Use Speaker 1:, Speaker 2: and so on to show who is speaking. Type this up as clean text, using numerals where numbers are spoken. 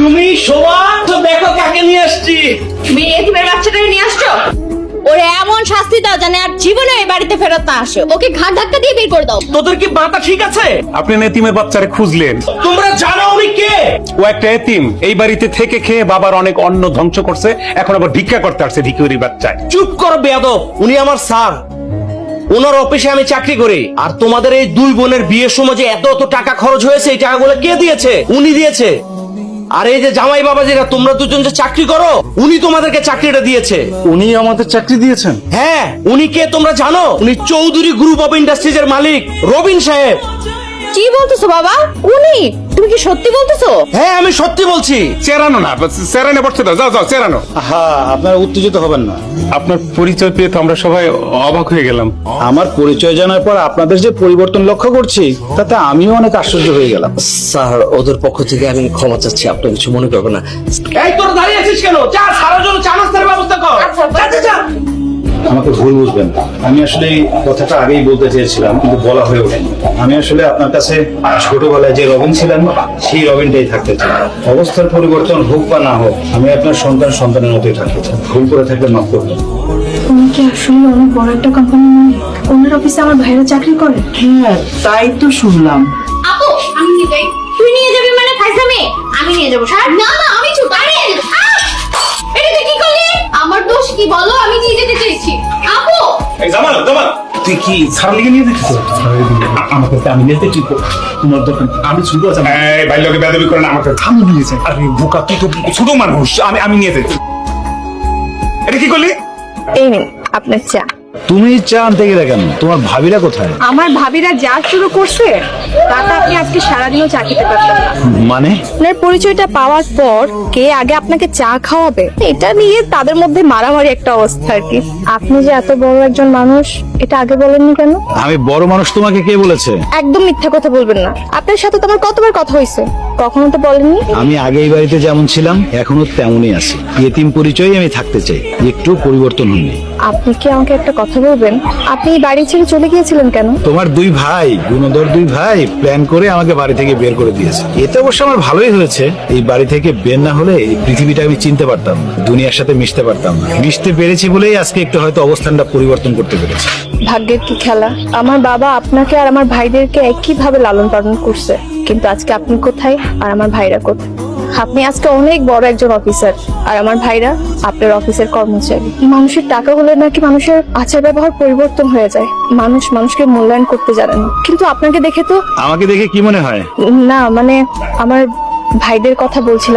Speaker 1: তুমি শোভা, তো দেখো কাকে নিয়ে আসছি।
Speaker 2: তুমি এতিমের বাচ্চাটাকে নিয়ে আসছো? ওরে এমন শাস্তি দাও জানে আর জীবনে এই বাড়িতে ফেরত না আসে। ওকে ঘাট ধাক্কা দিয়ে বের করে দাও।
Speaker 1: তোদের কি মাথা ঠিক আছে?
Speaker 3: আপনি এতিমের বাচ্চারে খুঁজলেন,
Speaker 1: তোমরা জানো উনি কে?
Speaker 3: ও একটা এতিম, এই বাড়িতে থেকে খেয়ে বাবার অনেক অন্ন ধ্বংস করছে, এখন আবার ভিক্ষা করতে আসছে ভিখারির বাচ্চায়।
Speaker 1: চুপ করো বেয়াদব, উনি আমার স্যার। ওনার অফিসে আমি চাকরি করি। আর তোমাদের এই দুই বোনের বিয়ের সময় যে এত টাকা খরচ হয়েছে, এই টাকাগুলো কে দিয়েছে? উনি দিয়েছে। আর এই যে জামাই বাবা যেটা তোমরা দুজন যে চাকরি করো, উনি তোমাদেরকে চাকরিটা দিয়েছে।
Speaker 3: উনি আমাদের চাকরি দিয়েছেন?
Speaker 1: হ্যাঁ, উনি কে তোমরা জানো? উনি চৌধুরী গ্রুপ অফ ইন্ডাস্ট্রিজ এর মালিক রবিন সাহেব।
Speaker 2: কি বলতেছো বাবা? উনি? তুমি কি সত্যি বলতেছো?
Speaker 1: হ্যাঁ, আমি সত্যি বলছি।
Speaker 3: চেরানো না, চেরানো বসতে দাও, যাও যাও চেরানো।
Speaker 4: হ্যাঁ, আপনারা উত্তেজিত হবেন না।
Speaker 3: আপনার পরিচয় পেয়ে তো আমরা সবাই অবাক হয়ে গেলাম।
Speaker 4: আমার পরিচয় জানার পর আপনাদের যে পরিবর্তন লক্ষ্য করছি, তাতে আমিও অনেক আশ্চর্য হয়ে গেলাম।
Speaker 1: স্যার, ওদের পক্ষ থেকে আমি ক্ষমা চাচ্ছি, আপনি কিছু মনে করবেন না। এই তোর দাঁড়িয়ে আছিস কেন? যা, সারার জন্য চা নাস্তার ব্যবস্থা কর। যা, যা, যা।
Speaker 4: আমাকে ভুল বুঝবেন না, আমি আসলে এই কথাটা আগেই বলতে চেয়েছিলাম, কিন্তু বলা হয়ে ওঠেনি। আমি আসলে আপনার কাছে ছোটবেলায় যে রবিন ছিলেন, সেই রবিনটাই থাকতে চাই। অবস্থার পরিবর্তন হোক বা না হোক, আমি আপনার সন্তানের মতোই থাকতে চাই। ভুল করে থাকলে মাফ করবেন।
Speaker 5: উনি কি আসলে অনেক বড় একটা কোম্পানি মালিক? ওনার অফিসে আমার ভাইরা চাকরি করে?
Speaker 6: হ্যাঁ, তাই তো শুনলাম।
Speaker 2: আপু, আমি নিয়ে যাই। তুই নিয়ে যাবি মানে ফাইজলামি? আমি নিয়ে যাবো। স্যার না না, আমি চুপ। আরে এটা তুই কি করলি? আমার দোষ কি বলো? আমি নিয়ে যেতে চেয়েছি। আপু,
Speaker 3: এই জামাল, জামাল,
Speaker 4: তুই কি সারা লিগে নিয়ে দেখছিস? আমাকে আমি নিতে ঠিক তোমার দোকান আমি ছোট আছি।
Speaker 3: এই বাইরে বেয়াদবি করে না, আমাকে
Speaker 4: আমি নিয়েছি।
Speaker 3: আরে বোকা, তুই তো ছোট মানুষ, আমি নিয়ে যাই। এটা কি করলি?
Speaker 5: এই নিন আপনার চা।
Speaker 4: তুমি চা আনতে গেলে কেন? তোমার ভাবিরা কোথায়?
Speaker 5: আমার ভাবিরা যা শুরু করছে তাতে আপনি আজকে সারাদিনও চা খেতে পারতেন না।
Speaker 4: মানে
Speaker 5: আপনার পরিচয়টা পাওয়ার পর কে আগে আপনাকে চা খাওয়াবে, এটা নিয়ে তাদের মধ্যে মারামারি একটা অবস্থা আর কি। আপনি যে এত বড় একজন মানুষ, এটা আগে বলেননি কেন?
Speaker 4: আমি বড় মানুষ তোমাকে কে বলেছে?
Speaker 5: একদম মিথ্যা কথা বলবেন না। আপনার সাথে তো আমার কতবার কথা হয়েছে, কখনো তো বলেননি।
Speaker 4: আমি আগে এই বাড়িতে যেমন ছিলাম এখনো তেমনই আছি। এতিম পরিচয়ই আমি থাকতে চাই, একটু পরিবর্তন হয়নি।
Speaker 5: আপনি কি আমাকে একটা কথা বলবেন? আপনি এই বাড়ি ছেড়ে চলে গিয়েছিলেন কেন?
Speaker 4: তোমার দুই ভাই, গুণধর দুই ভাই প্ল্যান করে আমাকে বাড়ি থেকে বের করে দিয়েছে। এতে অবশ্য আমার ভালোই হয়েছে। এই বাড়ি থেকে বের না হলে এই পৃথিবীটা আমি চিনতে পারতাম না, দুনিয়ার সাথে মিশতে পারতাম না। মিশতে পেরেছি বলেই আজকে একটু হয়তো অবস্থানটা পরিবর্তন করতে পেরেছি।
Speaker 5: ভাগ্যের কি খেলা, আমার বাবা আপনাকে আর আমার ভাইদেরকে একইভাবে লালন পালন করছে, কিন্তু আজকে আপনি কোথায় আর আমার ভাইরা কোথায়? আপনি আজকে অনেক বড় একজন অফিসার আর আমার ভাইরা আপনার অফিসের কর্মচারী। মানুষের টাকা হলে নাকি মানুষের আচার ব্যবহার পরিবর্তন হয়ে যায়, মানুষ মানুষকে মূল্যায়ন করতে জানে না। কিন্তু আপনাকে দেখে তো
Speaker 4: আমাকে দেখে কি মনে হয়?
Speaker 5: না, মানে আমার ভাইদের কথা বলছিলাম।